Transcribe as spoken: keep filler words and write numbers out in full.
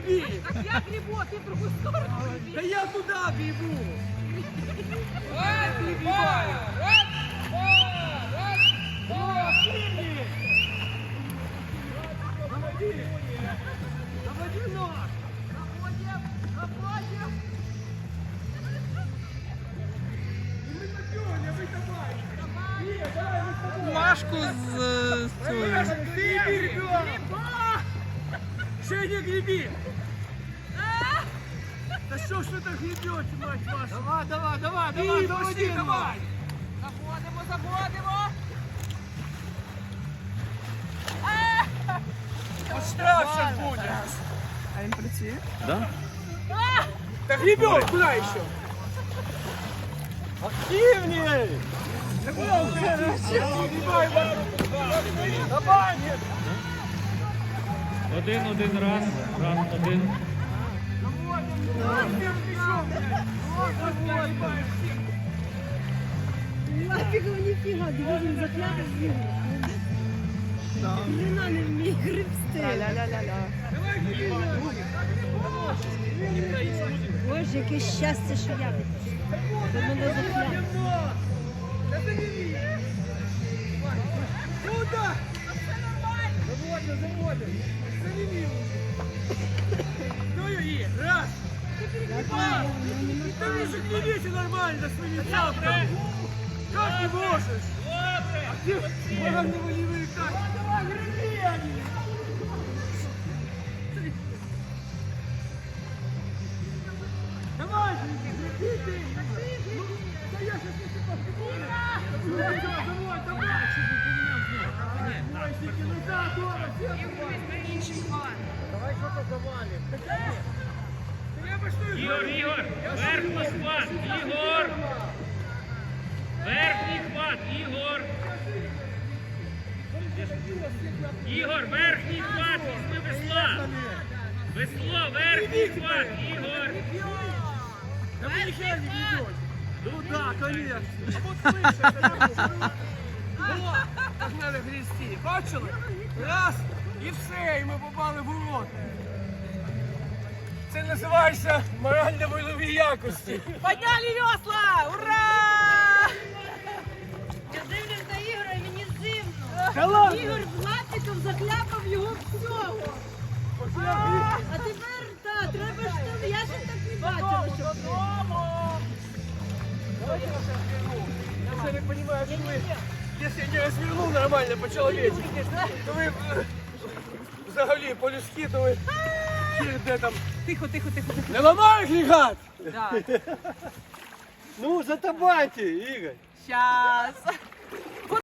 греби! Так я грибу, а ты в другую сторону греби. Да я туда гребу! Раз, два, раз, два, раз, два. Заводи! Заводи ног! Находим, находим. И мы попёрли, а вы давай! Нет, давай, мы с тобой! Машку з, з цією. Ты греби, ребенок! Женя, греби! Да что ж вы так гребете, мать вашу? Давай, давай, давай, давай, заводи, давай! Заходимо, заходимо. Вот штраф сейчас будет! А він працює? Да? Да гребет, куда еще? Активнее! Да куда уже? Давай, давай! Один, один, раз, раз, один. Нафіга, ніфіга, дивись, закляти з'їли. Хрена не вміє гребсти. Ля-ля-ля-ля. Боже, яке щастя, що я до мене закляти. Куда? Заводим, заводим. Завели. Ну и раз. Два. Да вы же гребите нормально своими тряпками. Как не можешь? А где волевые как? Давай, греби они. Давай, греби ты. Ну, да я сейчас не погребу. Давай, давай, давай. Мальчики, ну да, дома, все. Давай что-то завалим. Да я бы что и Ігор, Ігор, верхній хват, Ігор! Верхній хват, Ігор! Ігор, верхній хват, візьми весла! Весло, верхній хват, Ігор! Да вы ни хера не гребете. Ну да, конечно. А вот выше, это я говорю. Вот, как надо грести. Бачили? Раз, і все, і ми попали в урод. Це називається морально-вольові якості. Подняли весла! Ура! Я дивлюсь на Ігора, і мені зимно. Да ладно. Ігор з лапиком закляпав його всього. А тепер, так, треба ж там, я ще так не бачила, щоб... Давайте я сейчас разверну. Я уже не понимаю, что вы, если я не разверну нормально по-человечески, то вы э, взагалі по-людськи, то ви хер де там. Тихо, тихо, тихо, тихо. Не ламаєш лігат? Да. Ну, затабайте, Ігор. Сейчас.